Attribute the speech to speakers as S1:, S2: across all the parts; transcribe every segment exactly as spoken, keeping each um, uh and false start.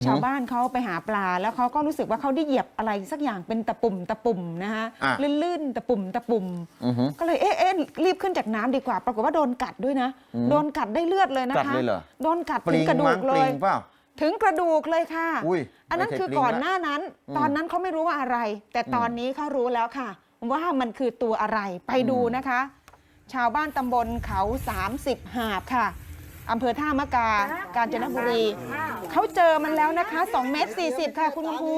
S1: ชาวบ้านเขาไปหาปลาแล้วเขาก็รู้สึกว่าเขาได้เหยียบอะไรสักอย่างเป็นตะปุ่มตะปุ่มนะฮะลื่นๆตะปุ่มตะปุ่มก็เลยเอ๊ะเอ๊ะรีบขึ้นจากน้ำดีกว่าปรากฏว่าโดนกัดด้วยนะโดนกัดได้เลือดเลยนะคะโดนกัดถึงกระดูกเลยถึงกระดูกเลยค่ะอันนั้นคือก่อนหน้านั้นตอนนั้นเขาไม่รู้ว่าอะไรแต่ตอนนี้เขารู้แล้วค่ะว่ามันคือตัวอะไรไปดูนะคะชาวบ้านตำบลเขาสามสิบหาบค่ะอำเภอท่ามะกา กาญจนบุรีเขาเจอมันแล้วนะคะสองเมตรสี่สิบค่ะคุณกำพู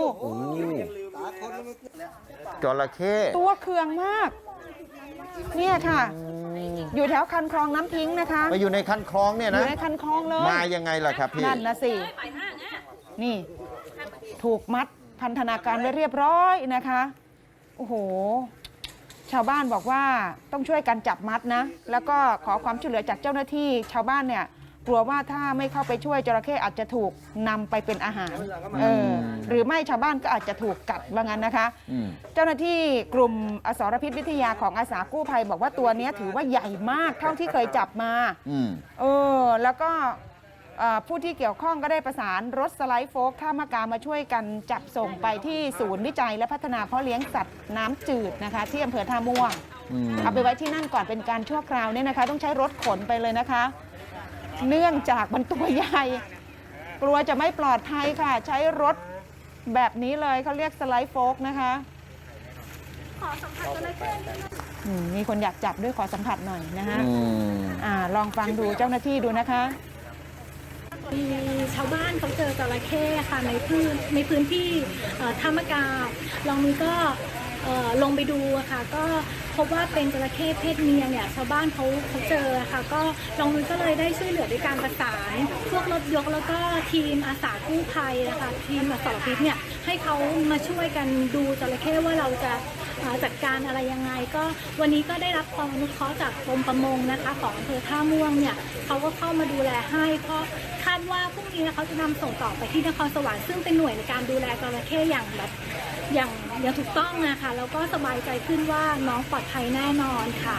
S2: จระเข้
S1: ตัวเคืองมากเนี่ยค่ะอยู่แถวคันคลองน้ำทิ้งนะคะ
S2: ไปอยู่ในคันคลองเนี่ยนะ
S1: อยู่ในคันคลองเลย
S2: มายังไงล่ะครับพี่
S1: นั่นนะสินี่ถูกมัดพันธนาการไว้เรียบร้อยนะคะโอ้โหชาวบ้านบอกว่าต้องช่วยกันจับมัดนะแล้วก็ขอความช่วยเหลือจากเจ้าหน้าที่ชาวบ้านเนี่ยกลัวว่าถ้าไม่เข้าไปช่วยจระเข้อาจจะถูกนำไปเป็นอาหารเออหรือไม่ชาวบ้านก็อาจจะถูกกัดว่างั้นนะคะเจ้าหน้าที่กลุ่มอสรพิษวิทยาของอาสากู้ภัยบอกว่าตัวนี้ถือว่าใหญ่มากเท่าที่เคยจับมาเออแล้วก็ผู้ที่เกี่ยวข้องก็ได้ประสานรถสไลด์โฟล์คท่ามะกามาช่วยกันจับส่งไปที่ศูนย์วิจัยและพัฒนาเพาะเลี้ยงสัตว์น้ำจืดนะคะที่อำเภอท่าม่วงเอาไปไว้ที่นั่นก่อนเป็นการชั่วคราวเนี่ยนะคะต้องใช้รถขนไปเลยนะคะเนื่องจากมันตัวใหญ่กลัวจะไม่ปลอดภัยค่ะใช้รถแบบนี้เลยเขาเรียกสไลด์โฟล์คนะคะขอสัมผัสอะไรแค่นี้มีคนอยากจับด้วยขอสัมผัสหน่อยนะคะอ่าลองฟังดูเจ้าหน้าที่ดูนะคะ
S3: มีชาวบ้านเขาเจอจระเข้ค่ะในพื้นในพื้นที่ท่ามะกาลองมือก็ลงไปดูค่ะก็พบว่าเป็นจระเข้เพศเมียเนี่ยชาวบ้านเขาเขาเจอค่ะก็ลองมือก็เลยได้ช่วยเหลือด้วยการประสานพวกรถยกแล้วก็ทีมอาสากู้ภัยนะคะทีมอสรพิษเนี่ยให้เขามาช่วยกันดูจระเข้ว่าเราจะจัดการอะไรยังไงก็วันนี้ก็ได้รับความอนุเคราะห์จากกรมประมงนะคะของอำเภอท่าม่วงเนี่ยเขาก็เข้ามาดูแลให้เพราะคาดว่าพรุ่งนี้เขาจะนำส่งต่อไปที่นครสวรรค์ซึ่งเป็นหน่วยในการดูแลจระเข้อย่างแบบอย่างอย่างถูกต้องนะคะแล้วก็สบายใจขึ้นว่าน้องปลอดภัยแน่นอนค่ะ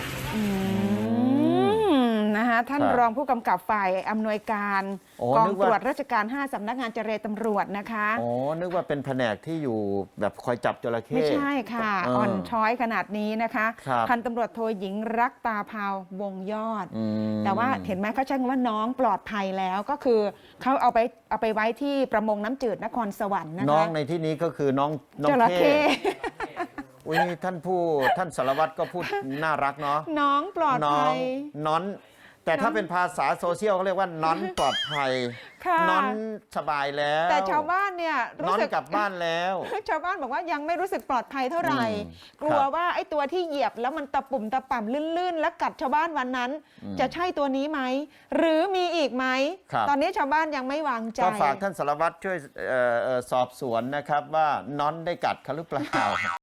S1: นะคะท่านรองผู้กำกับฝ่ายอำนวยการกองตรวจราชการห้าสำนักงานเจรตำรวจนะคะ
S2: อ๋อนึกว่าเป็นแผนกที่อยู่แบบคอยจับจระเข้
S1: ไม่ใช่ค่ะอ่อนช้อยขนาดนี้นะคะพันตำรวจโทหญิงรักตาพาววงยอดแต่ว่าเห็นไหมเขาใช้คำว่าน้องปลอดภัยแล้วก็คือเขาเอาไปเอาไปไว้ที่ประมงน้ำจืดนครสวรรค์นะคะ
S2: น้องในที่นี้ก็คือน้องน้องเข้อุ้ยท่านผู้ท่านสารวัตรก็พูดน่ารักเนาะ
S1: น้องปลอดภัย
S2: น้องแต่ถ้าเป็นภาษาโซเชียลเขาเรียกว่าน้อนปลอดภัยน้อนสบายแล้ว
S1: แต่ชาวบ้านเนี่ย
S2: น้อนกลับบ้านแล้ว
S1: ชาวบ้านบอกว่ายังไม่รู้สึกปลอดภัยเท่าไหร่กลัวว่าไอ้ตัวที่เหยียบแล้วมันตะปุ่มตะป่ำลื่นๆแล้วกัดชาวบ้านวันนั้นจะใช่ตัวนี้ไหมหรือมีอีกไหมตอนนี้ชาวบ้านยังไม่วางใจ
S2: ก็ฝากท่านสารวัตรช่วยสอบสวนนะครับว่าน้อนได้กัดเขาหรือเปล่า